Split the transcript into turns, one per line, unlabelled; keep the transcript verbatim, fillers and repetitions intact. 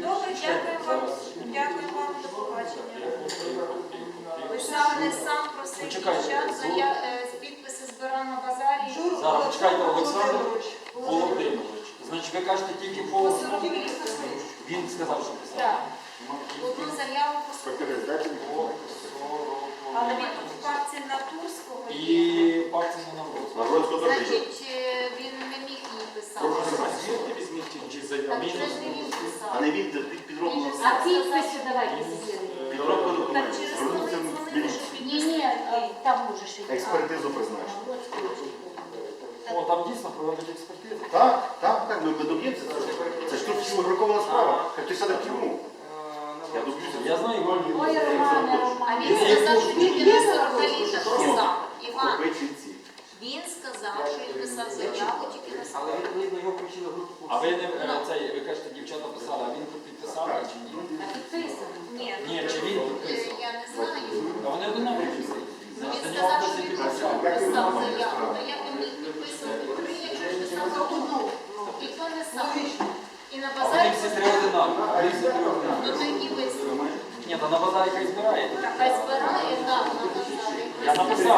Добре, дякую вам. Дякую вам, до побачення. Писав не сам просив дівчат, зая- е, підписи збирав на базарі.
Зараз, почекайте, Олександр Володимирович. Значить, ви кажете тільки по основі? Він сказав, що писав.
Так. Одну заяву по суду. Але він тут в парці на Турського
І
є.
пакцію на
На
Навроз.
Гродську дорогу.
Значить, е, він не міг її писати.
Звідки візьміть чи
Так
заяву?
це ж не він писав.
А не він під підробку.
А підписи давайте зробимо.
Підробка
Так
документів.
через коли
Звернувся в
дзвонили,
міліцію.
що
Ні, ні, там може ще.
Експертизу призначити.
О, там дійсно проводять експертизу.
Так, так, так, ми ми доб'ємося цього. Це ж тут фабрикована справа. Хай хтось сяде в тюрму. Я доб'юся.
Я знаю,
Ой, Романе,
А
Романе.
він сказав, що тільки на сорок літа писав. Іван,
Копичинці.
він сказав, що він писав заяву тільки на
Але
сорок.
відповідно його включили в групу.
а ви не е, цей, ви кажете, дівчата писали, а він тут підписав чи ні?
А підписано.
Ні,
Ні, чи він
е,
підписав?
я не знаю.
А вони одинакові писали.
Ну,
Значить,
він
до нього
сказав,
хтось
що
і
він
підписав.
писав заяву. То як він міг підписувати три, якщо ж писав за одну? І хто не сам? І на
А вони
базарі
всі три одинакові. Вони всі три одинакові.
ну то які висновки?
Ні, то на базарі хай збираєте.
Хай збирає, так, на базарі.
Я написав.